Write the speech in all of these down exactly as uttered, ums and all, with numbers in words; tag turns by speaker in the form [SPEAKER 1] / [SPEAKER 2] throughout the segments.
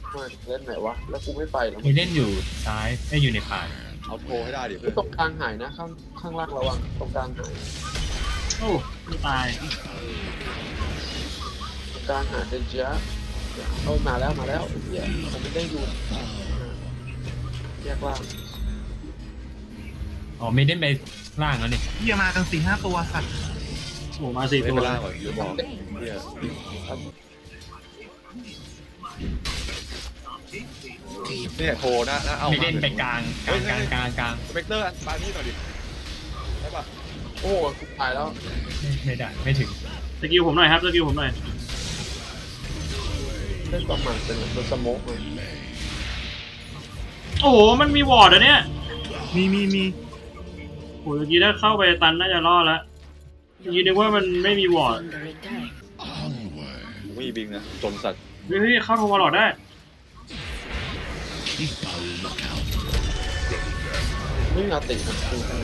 [SPEAKER 1] มาเล่นไหนวะแล้วกูไม่ไปแล้ว
[SPEAKER 2] มีเล่นอยู่ซ้ายไม่อยู่ในผ่าน
[SPEAKER 3] เอาโทรให้ได้ดิเพื่อน
[SPEAKER 1] ตรงกลางหายนะข้างข้างล่างระวังตรงกลางหาย
[SPEAKER 4] โอ้ไม่ตาย
[SPEAKER 1] ตรงกลางหายเดนจ้าเอามาแล้วมาแล้วเหี้ยผมไม่ได้อยู่แยกล่าง
[SPEAKER 2] อ๋อไม่ได้ไปล่างแล้วนี่
[SPEAKER 5] เหี้ยมากันสี่ห้าตัวสัตว์
[SPEAKER 4] โอ้มาสี่
[SPEAKER 3] ไม่
[SPEAKER 4] ตัว
[SPEAKER 3] เป็นล่างก่อนเดี๋ยวบอกเนี่ยเนี่ยโทรนะนะเอา
[SPEAKER 2] ไม่เล่นไปกลางกลางกลางกลางกลาง
[SPEAKER 3] สเปกเตอร์ปานี่หน่อยดิได้ปะ
[SPEAKER 1] โอ้กูตายแล้ว
[SPEAKER 2] ไม่ไม่ได้ไม่ถึง
[SPEAKER 4] สกิลผมหน่อยครับสกิลผมหน่อย
[SPEAKER 1] เล่นประมาณเป็นตัวสโมกเลย
[SPEAKER 4] โอ้โหมันมีวอร์ดอะเนี่ย
[SPEAKER 5] มีมีมี
[SPEAKER 4] โอ้ยเมื่อกี้ถ้าเข้าไปตันน่าจะรอดแล้วเมื่อกี้นึกว่ามันไม่มีวอร์ด
[SPEAKER 3] ไม่มีบิงนะจนสัตว์
[SPEAKER 4] เฮ้ยเฮ้ยเข้าโทรมาหลอดได้
[SPEAKER 1] ไม่มีอาตินะ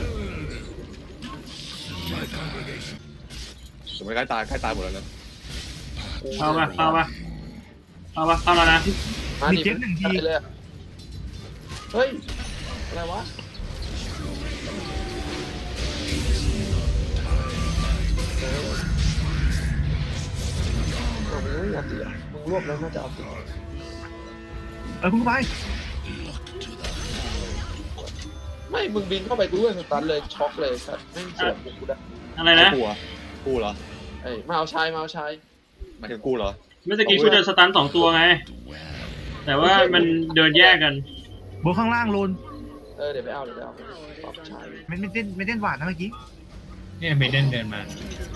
[SPEAKER 3] สมัยใกล้ตายใกล้ตายหมดแล้วนะ
[SPEAKER 4] เข้าปะเข้าปะเข้าปะเข้าแล้วนะ
[SPEAKER 1] มาดิไปเลยเฮ้ยอะไรวะมึงไม่อาติอ่ะมึงรวบแล้วน่าจะเอาติ
[SPEAKER 5] เออคุณไป
[SPEAKER 1] ไม่มึงบินเข้าไปกูด้วยสตันเลยช็อกเลยสัตว์ไม่สวนกูได้
[SPEAKER 4] อะไรนะ
[SPEAKER 3] กู้อะกู้เหรอ
[SPEAKER 1] เอ้ยมาเอาชายมาเอาชาย
[SPEAKER 3] หมายถึงกู้เหรอ
[SPEAKER 4] เมื่อกี้กูเดินสตันสองตัวไง แต่ว่ามันเดินแยกกัน
[SPEAKER 5] บนข้างล่างโลน
[SPEAKER 1] เออเดี๋ยวไปเอาเดี๋ยวไปเอาปรับชาย
[SPEAKER 5] ไม่ไม่เต้นไม่เต้นหวานนะเมื่อกี้
[SPEAKER 2] เนี่ยไม่เล่นเดินมา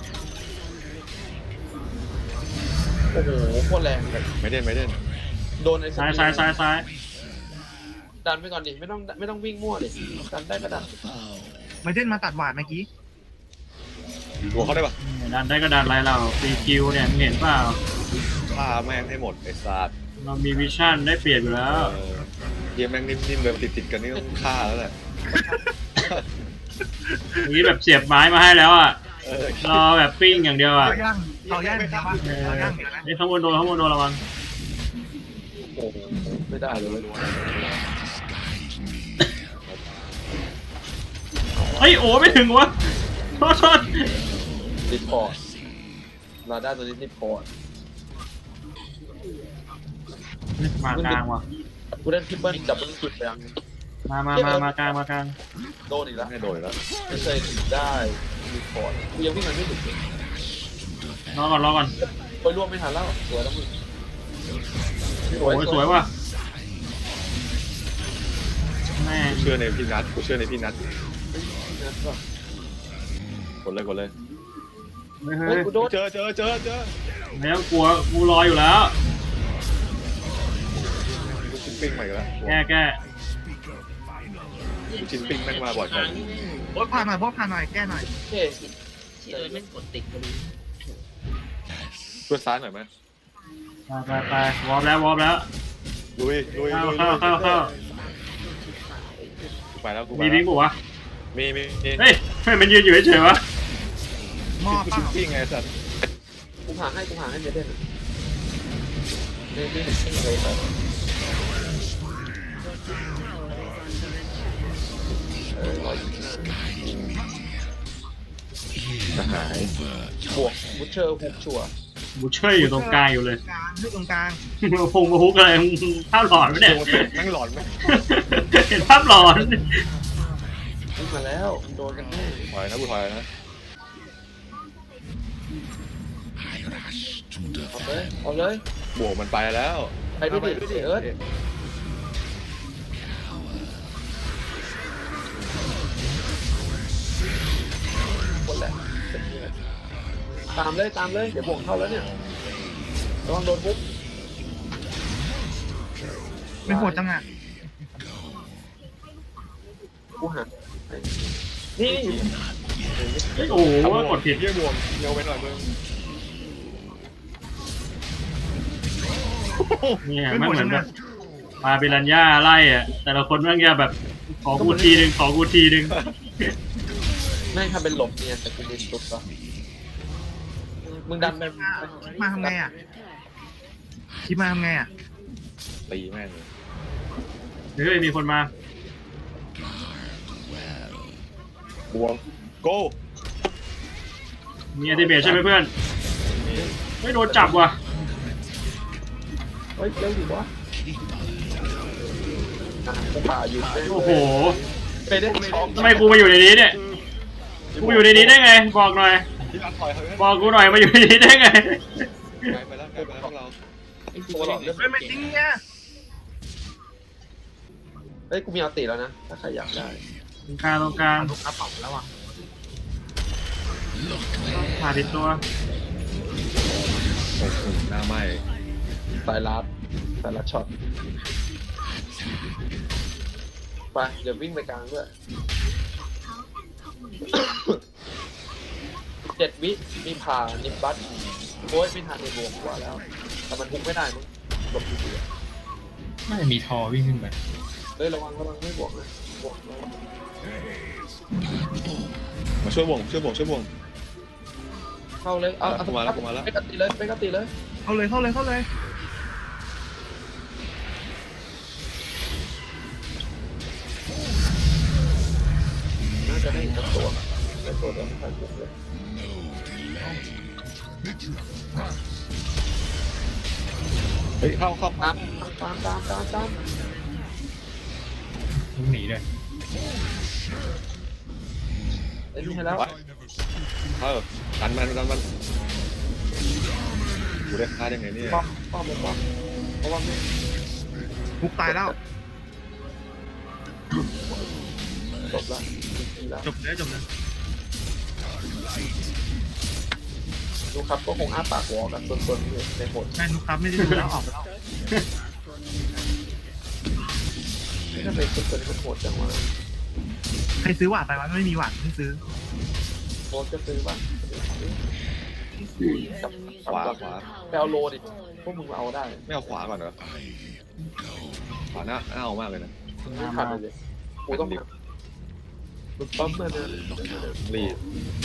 [SPEAKER 1] โอ้โหโคตรแรงเลย
[SPEAKER 3] ไม่เด่นไม่เด่น
[SPEAKER 1] โดนไอ้
[SPEAKER 4] ซ้ายซ้ายซ้ายซ้าย
[SPEAKER 1] ดันไปก่อนดิไม่ต้องไม่ต้องวิ่งมั่วดิดันได้ก็ดัน
[SPEAKER 5] ไม่เต้นมาตัดหวานเมื่อกี้
[SPEAKER 3] หัวเขาได้ปะ
[SPEAKER 4] ดันได้ก็ดันไรเราฟรีคิวเนี่ยมึงเห็นเปล่า
[SPEAKER 3] ฆ่าแม่งให้หมดไอ้สัตว์
[SPEAKER 4] เรามีวิชั่นได้เปรียบอยู่แล้ว
[SPEAKER 3] เออเยี่ยแม่งนิ่มๆเลยติดติดๆกันนี่ต้องฆ่าแล้วแหละ
[SPEAKER 4] เมื่อกี้แบบเสียบไม้มาให้แล้วอ่ะ
[SPEAKER 3] เออ
[SPEAKER 4] รอแบบปิ้งอย่างเดียวอ่ะ
[SPEAKER 5] เอาย่างเอาย่างเห็นปะ
[SPEAKER 4] เออ
[SPEAKER 5] เอาย่างเห็นนะ
[SPEAKER 4] ไอ้ข้างบนโดนข้างบนโดนระวัง
[SPEAKER 1] โอ้โหไม่ได้เลย
[SPEAKER 4] เฮ้ยโอ้ไม่ถึงวะโทษโทษ
[SPEAKER 1] รีพอร์ตลาด้าตัวนี้รีพอร์ต
[SPEAKER 4] มากลางว่ะ
[SPEAKER 1] กูเล่นทริปเปิลดับเบิลคิดไปยัง
[SPEAKER 4] มามามามากลางมากลาง
[SPEAKER 1] โดนอีกแล้ว
[SPEAKER 3] ไม่โดนแล้ว
[SPEAKER 1] ไม่เคยได้รีพอร์ตกูยังวิ่งมันไม่ถึง
[SPEAKER 4] รอก่อนรอก่อน
[SPEAKER 1] ไปร่วมไม่ทันแล้วสวยแล้วมึง
[SPEAKER 4] โอ้ยสวยว่ะแม่ง
[SPEAKER 3] กูเชื่อในพี่นัทกูเชื่อในพี่นัท
[SPEAKER 1] นั่นก็
[SPEAKER 3] กดเลยกดเลย
[SPEAKER 4] เฮ้ย
[SPEAKER 1] เฮ้
[SPEAKER 4] เฮ้
[SPEAKER 1] ย
[SPEAKER 4] ย
[SPEAKER 1] กูโดน
[SPEAKER 3] เจอเจอเจอเจอ
[SPEAKER 4] ไม่ต้องกลัวกูรออยู่แล้ว
[SPEAKER 3] กูชิ้นปิ้งมาอีกแล้ว
[SPEAKER 4] แก้แก้
[SPEAKER 3] กูชิ้นปิ้งแม่งมาบ่อยจัง
[SPEAKER 5] โอ๊ตผ่านหน่อยโอ๊ตผ่านหน่อยแก้หน่อย
[SPEAKER 1] เฮ้
[SPEAKER 6] ที่เอิร์ธแม่งกดติดพอดี
[SPEAKER 3] ช่วยซ้ายหน่อยไหม
[SPEAKER 4] ไปไปไปวอร์มแล้ววอร์มแล้ว
[SPEAKER 3] ลุยลุย
[SPEAKER 4] เข้า
[SPEAKER 3] ลุย
[SPEAKER 4] เข้าเข้าเข้า
[SPEAKER 3] กูไปแล้วกูไป
[SPEAKER 4] มี
[SPEAKER 3] แล้ว
[SPEAKER 4] บิงปุ๊วะ
[SPEAKER 3] มีมีมี
[SPEAKER 4] เฮ้ยเฮ้ยมันยืนอยู่เฉยๆวะ
[SPEAKER 5] หม้อ
[SPEAKER 3] กู
[SPEAKER 5] เป
[SPEAKER 3] ชิ้น
[SPEAKER 5] ล่า
[SPEAKER 3] ปิ้งไงสัตว์
[SPEAKER 1] กูหาให้กูหาให้เจเด่นเด่นที่ที่เลยแต่เออร้อยยี่สิบห้า
[SPEAKER 3] จะหาย
[SPEAKER 1] บวกบุชเชอร์ฮุกชัว
[SPEAKER 4] บูเช่ยอยู่ตรงกลางอยู่เลย
[SPEAKER 5] กลางที่ตรงกลาง
[SPEAKER 4] พงมาฮุกอะไรมึงภาพหลอนไหมเนี่ย
[SPEAKER 3] โดนแม่งหลอนไหม
[SPEAKER 4] เห็นภาพหลอน
[SPEAKER 1] วิ่งมาแล้วโดนกันแน่
[SPEAKER 3] ถอยนะกูถอยนะ
[SPEAKER 1] เอาเลยเอาเลย
[SPEAKER 3] บวกมันไปแล้ว
[SPEAKER 1] ไปดิดิเอิร์ธคนแหละตามเลยตามเลยเดี๋ยวบวกเข้าแล้วเนี่ยระวังโดนปุ๊บ
[SPEAKER 5] ไม่โหดจังอ่ะ
[SPEAKER 1] กูหันนี่
[SPEAKER 4] เฮ้ยโอ้โหกดผิด
[SPEAKER 3] เยี่ยบวกเร็วไปหน่อยมึง
[SPEAKER 4] เนี่ย
[SPEAKER 5] ไม่
[SPEAKER 4] มัน
[SPEAKER 5] โหด
[SPEAKER 4] เหมื
[SPEAKER 5] จั
[SPEAKER 4] อน
[SPEAKER 5] ง
[SPEAKER 4] แบ
[SPEAKER 5] อ่ะ
[SPEAKER 4] บมาเปรัญญาไล่อะแต่ละคนแม่งจะแบบขอกูทีหนึ่งขอกูทีหนึ่ง
[SPEAKER 1] แม่งทำเป็นหลบเนี่ยแต่กูเดินตุ๊บก็มึงดันไป
[SPEAKER 5] มาทำไงอ่ะคิดมาทำไงอ่ะ
[SPEAKER 3] ตีแม่งเลย
[SPEAKER 4] เฮ้ยมีคนมา
[SPEAKER 3] บวงโก้
[SPEAKER 4] มีอัลติเมทใช่ไหมเพื่อนไม่โดนจับว่ะ
[SPEAKER 1] เฮ้ยเร็วดิวะอ่ะกูป่าอยู่เต้น
[SPEAKER 4] โอ้โห
[SPEAKER 1] ไปได้ช็อก
[SPEAKER 4] ทำไมกูมาอยู่ในนี้เนี่ยกูอยู่ในนี้ได้ไงบอกหน่อย
[SPEAKER 3] พี่รักถอยเฮ้ย
[SPEAKER 4] บอกกูหน่อยมาอยู่ในนี้ได้ไง
[SPEAKER 3] ไกลไปแล้วไกลไปแล้วพวกเรา
[SPEAKER 1] ไอ้ตัวหลอดเลือด
[SPEAKER 5] เฮ้ยไม่จริงเนี่ย
[SPEAKER 1] เฮ้ยกูมีอัลติแล้วนะถ้าใครอยากได้
[SPEAKER 4] ตรงกลางตรงกลาง
[SPEAKER 5] ลูกกระเป๋าแล้วอ่ะ
[SPEAKER 4] ผ่าติดตัว
[SPEAKER 3] โอ้โหหน้าไหม้
[SPEAKER 1] สายลัดสายลัดช็อตไปเดี๋ยววิ่งไปกลางด้วย เจ็ดวิมีผ่านิมบัสโอ้ยไม่ทันในบวกกว่าแล้วแต่มันทุกไม่ได้มั้งหลบอยู่ดีอะ
[SPEAKER 2] น่าจะมีทอวิ่งขึ้นไป
[SPEAKER 1] เฮ้ยระวังระวังไม่บวกเลยบวกระวัง
[SPEAKER 3] มาช่วยบวงช่วยบวงช่วยบวง
[SPEAKER 1] เข้าเลยเอาเอา
[SPEAKER 3] กูมาแล้วกูมาแล้ว
[SPEAKER 1] ไปกติเลยไปกติเลย
[SPEAKER 5] เข้าเลยเข้าเลยเข้าเลย
[SPEAKER 1] น่าจะได้อีกสักตัวแต่ตัวเดียวไม่ค่อยบวกเลย
[SPEAKER 3] เฮ้ยเข้าเข้า
[SPEAKER 1] ตามตามตามตามตาม
[SPEAKER 2] ต้องหนีด้วย
[SPEAKER 1] ไอ้นี่ให้แล้ว
[SPEAKER 3] ไว้เออกันมันกันมันกูได้ฆ่าได้ไงเนี่ย
[SPEAKER 1] ป้อมป้อมป้อมเพราะว่าไม่
[SPEAKER 5] มุกตายแล้ว
[SPEAKER 1] จบละดีแล้ว
[SPEAKER 5] จบเลยจบเลย
[SPEAKER 1] ดูครับก็คงอ้าปากวอกันส่วนๆอยู่ในหมด
[SPEAKER 5] แม่ลูกครับไม่ได้ดูแล้วออกไปแล้ว
[SPEAKER 1] ไม่ถ้าเป็นส่วนๆมันโหดจังวะ
[SPEAKER 5] ใครซื้อหวานไปวะไม่มีหวานให้ซื้อ
[SPEAKER 1] โหดจะซื้อบ้างกับ
[SPEAKER 3] ขวาขวา
[SPEAKER 1] ไปเอาโลดิพวกมึงเอาได้
[SPEAKER 3] ไม่เอาขวาก่อนเหรอขวาหน้าหน้าเอามากเลยนะ
[SPEAKER 1] ไม่ทันเลยกูต้องมึงปั๊มมาเดิน
[SPEAKER 3] รีบ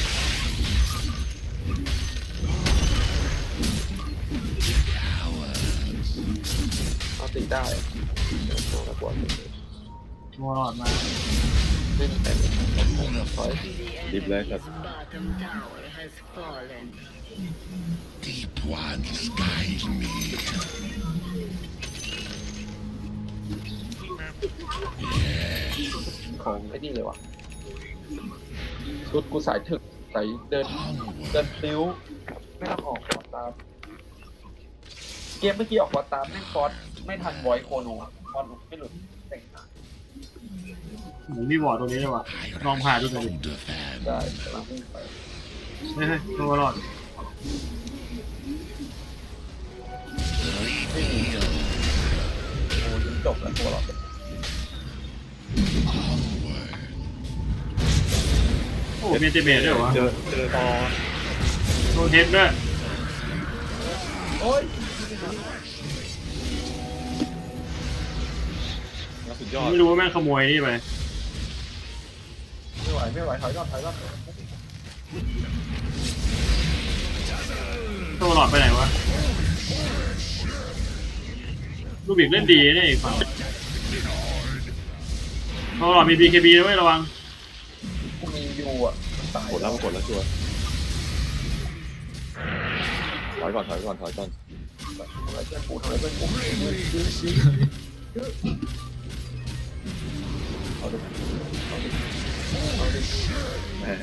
[SPEAKER 1] เอาตีได้ตัวละกว่า
[SPEAKER 4] วอลอดมา
[SPEAKER 1] ไม่มีแต่ถอย
[SPEAKER 3] รีบเลยครับ
[SPEAKER 6] Bottom tower has fallen.
[SPEAKER 7] Deep ones guide me.
[SPEAKER 1] ของไอ้นี่เลยวะชุดกูสายถึกสายเดินเดินติ้วไม่ต้องออกขวาตามเกมเมื่อกี้ออกขวาตามไม่ฟอสไม่ทันไวโคโนฟอสไม่หลุดแต่งหน้า
[SPEAKER 4] หมูมีวอร์ดตรงนี้เลยว่ะลองผ่าดูหน่อยดิ
[SPEAKER 7] Older fan.
[SPEAKER 1] ได้กำลังวิ่งไป
[SPEAKER 4] เฮ้ยตัวรอด
[SPEAKER 1] ไม่มีโอ้ยิงจบแล้วตัวเรา
[SPEAKER 4] โอ้มีอัลติเมทด้วยวะ
[SPEAKER 3] เจอเจอตอ
[SPEAKER 4] โดนเฮดด้วย
[SPEAKER 1] โอ้ย
[SPEAKER 3] แล้วสุดยอด
[SPEAKER 4] ไม่รู้ว่าแม่งขโมยนี่ไป
[SPEAKER 1] ไม่ไหวไม่ไหวถอยก่อนถอยก่อน
[SPEAKER 4] ตัวหลอดไปไหนวะลูบิกเล่นดีเนี่ยอีกฝั่งตัวหลอดมี บี เค บี นะเว้ยระวัง
[SPEAKER 1] กูมียูอ่ะตาย
[SPEAKER 3] กดแล้วกดแล้วชัวร์ถอยก่อนถอยก่อนถอยก่อน
[SPEAKER 1] ทำไมเพื่อนกูทำไมเพื่อนกูเอาดิเอาดิเอาดิ
[SPEAKER 3] แม่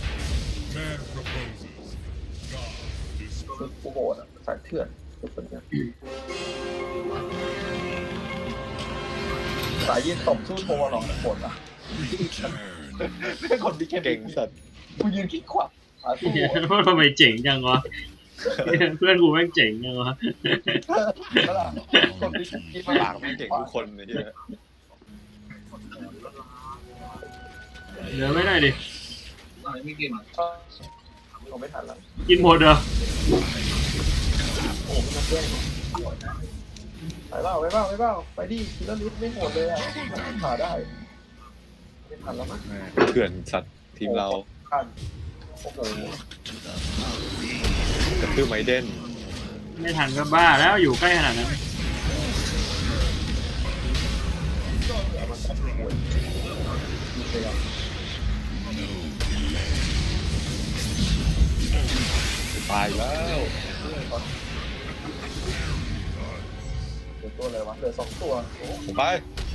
[SPEAKER 1] คือกูโหดอ่ะสายเถื่อนทุกคนเนี่ยสายยืนตบสู้โทรหรอกโหดอ่ะเป็นคนที่แค่
[SPEAKER 3] เก่งสัตว์
[SPEAKER 1] กูยืนคิดขวาขาสู้
[SPEAKER 4] เฮียว่าทำไมเจ๋งจังวะเพื่อนกูแม่งเจ๋งจังวะ
[SPEAKER 1] แล้วล่ะคนที่คิดมา
[SPEAKER 3] ปากมันเก่งทุกคนเลยที่
[SPEAKER 4] เหลือไม่ได้ดิ
[SPEAKER 1] เราไม่ทันแล้ว
[SPEAKER 4] กินหมดเหรอ
[SPEAKER 1] โอ้โหมันแย่งไปเปล่าไปเปล่าไปเปล่าไปดิคิลเลอร์ลิสไม่โหดเลยอ่ะขาได้ไม่ทันแล้วมั้ง
[SPEAKER 3] แม่เถื่อนสัตว์ทีมเรา
[SPEAKER 1] ทันโอ้โห
[SPEAKER 3] กระทืบไมเดน
[SPEAKER 4] ไม่ทันก็บ้าแล้วอยู่ใกล้ขนาดนั้น
[SPEAKER 1] โอ้ยมีเสียง
[SPEAKER 3] ตายแล้ว
[SPEAKER 1] เหลือตัวอะไรวะเหลือสองตัวโอ้
[SPEAKER 3] ผมไป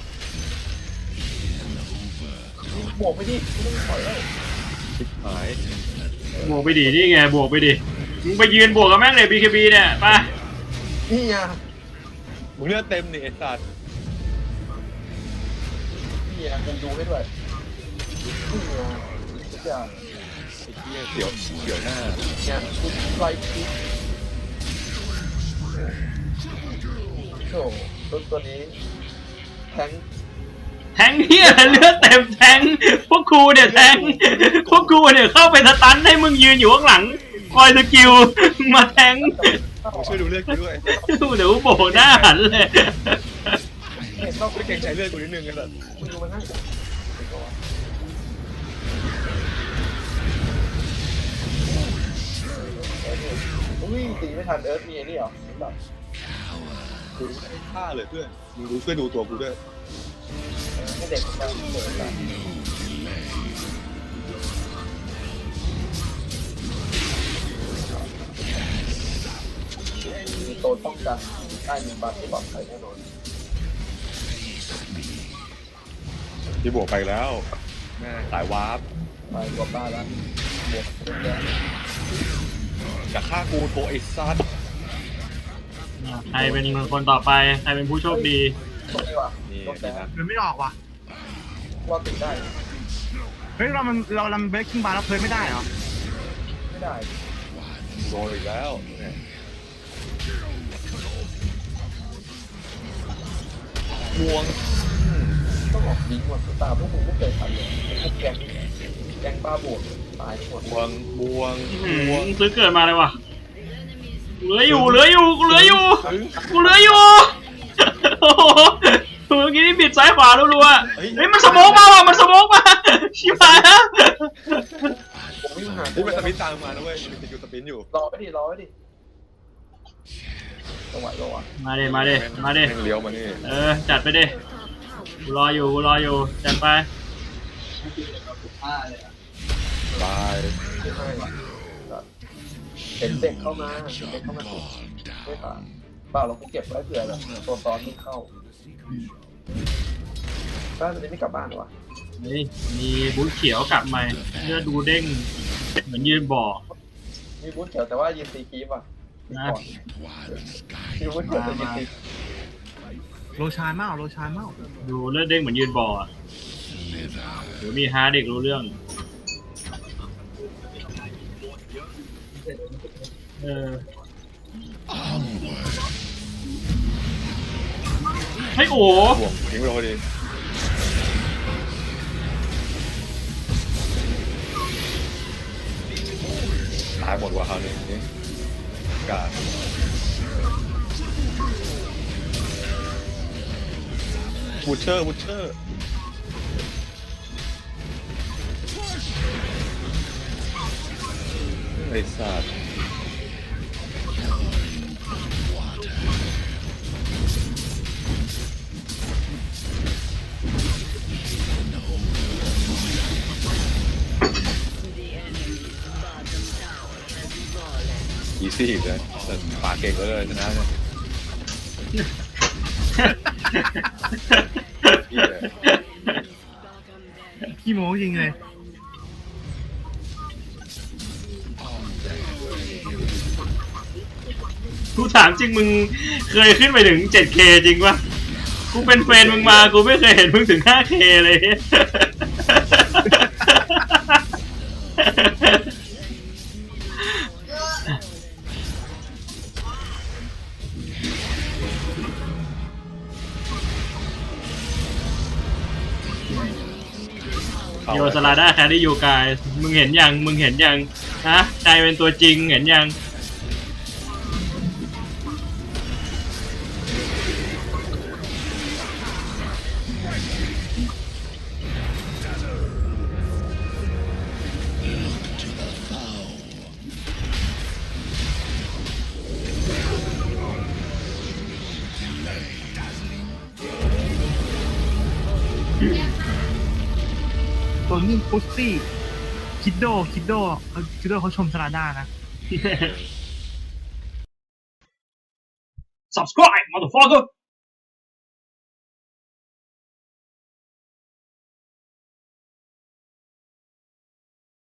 [SPEAKER 1] บวกไปดิไม่ต้องถอยแล้ว
[SPEAKER 3] ชิบหาย
[SPEAKER 4] บวกไปดินี่ไงบวกไปดิมึงไปยืนบวกกับแม่งเลย บี เค บี เนี่ยไป
[SPEAKER 1] นี่ไง
[SPEAKER 3] มึงเลือดเต็มนี่ไอ้สัตว์
[SPEAKER 1] นี่ไงกูดูให้ด้วยนี่ไงทุกอย่าง
[SPEAKER 3] ไอ้เหี้ยเสียวเสียวหน้า
[SPEAKER 1] เนี่ยกูไล่คิดโอ้โหตัวตัวนี้แทง
[SPEAKER 4] แทงเฮียเลือดเต็มแทงพวกกูเนี่ยแทงพวกกูเนี่ยเข้าไปสตันให้มึงยืนอยู่ข้างหลังคอยสกิลมาแทง
[SPEAKER 3] มึงช่วยดูเลือดกูด้วย
[SPEAKER 4] เดี๋ยวโบกหน้าหันเลย
[SPEAKER 1] เห็นต้อง
[SPEAKER 3] ไม่เกรงใจเลือดกูนิดนึงไอ้สัตว์
[SPEAKER 1] มึงดูมันให้อุ้ยตีไม่ทันเอิร์ธมีไอ้นี่เหรอแบบ
[SPEAKER 3] กูไม่ได้ฆ่าเลยเพื่อนมึงดูช่วยดูตัวกูด้วย
[SPEAKER 1] ให้เด็กมันเปิดกันมีโตนป้องกันได้มีบัตรที่ปลอดภัยแน่นอน
[SPEAKER 3] ที่บวกไปแล้วแม่สายวาร์ป
[SPEAKER 1] ไปรวมบ้านแล้วบวกเยอะ
[SPEAKER 3] จะฆ่ากูโถไอ้สัตว์
[SPEAKER 4] ใครเป็นคนต่อไปใครเป็นผู้โชคดี
[SPEAKER 1] ตรงนี้ว่ะ
[SPEAKER 3] นี่
[SPEAKER 1] ตรง
[SPEAKER 3] ดี
[SPEAKER 1] แต่
[SPEAKER 3] นะ
[SPEAKER 5] มันไม่ออกว่ะ
[SPEAKER 1] รอดติดได้
[SPEAKER 5] เฮ้ยเรามันเราลำเบรกกิ้งบาร์แล้วเพลินไม่ได้เหรอ
[SPEAKER 1] ไม่ได้
[SPEAKER 3] โดนอีกแล้วเนี่ยบวง
[SPEAKER 1] ต้องออกบิงว่ะตาพวกมึงไม่เคยทันเลยพวกแกงแกงบ้าบวกตายหมด
[SPEAKER 3] บวงบวง
[SPEAKER 4] อื
[SPEAKER 3] บวง
[SPEAKER 4] มซื้อเกิดมาเลยว่ะเหลืออยู่เหลืออยู่กูเหลืออยู่
[SPEAKER 3] ถึง
[SPEAKER 4] กูเหลืออยู่โอ้โหเมื่อกี้นี่บิดซ้ายขวารัวๆ
[SPEAKER 3] เฮ้ย
[SPEAKER 4] เฮ้ยมันสโมกมาว่ะมันสโมกมาชิบหายแล้ว
[SPEAKER 1] ผมวิ่งหา
[SPEAKER 3] นี่มันสปินตามมานะเว้ยมันติดอยู่สปินอยู่
[SPEAKER 1] รอไว้ดิรอไว้ดิจังหวะรออ่ะ
[SPEAKER 4] มาเด้มาเด้มาเด้
[SPEAKER 3] แงเลี้ยวมานี่
[SPEAKER 4] เออจัดไปเด้กูรออยู่กูรออยู่จัดไป
[SPEAKER 3] ตาย
[SPEAKER 1] ไม่ให้เห็นเด็กเข้ามาเห็นเด็กเข้ามาสุดไม่ผ่านเปล่าเรากูเก็บไว้เผื่อแบบตัวตอนไม่เข้าบ้านมันจะไม่กลับบ้านเหรอวะ
[SPEAKER 4] เฮ้ยมีบูทเขียวกลับมาเลือดดูเด้งเหมือนยืนบ่อ
[SPEAKER 1] มีบูธเขียวแต่ว่ายืนตีคีบอ่ะ
[SPEAKER 4] นะ
[SPEAKER 1] มีบูธเขียวแต่ยืนตี
[SPEAKER 5] โรชานเมาโรชานเมา
[SPEAKER 4] ดูเลือดเด้งเหมือนยืนบ่ออะเดี๋ยวมีฮาร์ดเด็กรู้เรื่องเออเฮ้ยโอ้
[SPEAKER 3] บวงทิ้งไปพอดีตายหมดว่ะคราวนี้นี่กาดบูชเชอร์บูชเชอร์ไอ้สัตว์อีซี่อีกเลยแต่ปากเก่งก็เลยชนะเนี่ยอีเลย
[SPEAKER 5] ขี้โม้จริงเลย
[SPEAKER 4] กูถามจริงมึงเคยขึ้นไปถึง เจ็ดเค จริงปะกูเป็นแฟนมึงมากูไม่เคยเห็นมึงถึง ห้าเค เลยโยสลาด้าแครี่ยูกายมึงเห็นยังมึงเห็นยังฮะใจเป็นตัวจริงเห็นยัง
[SPEAKER 5] ตัวนี้พุสตี้คิดโดคิดโดเออคิดโดเขาชมสลาด้านะ
[SPEAKER 4] subscribe motherfucker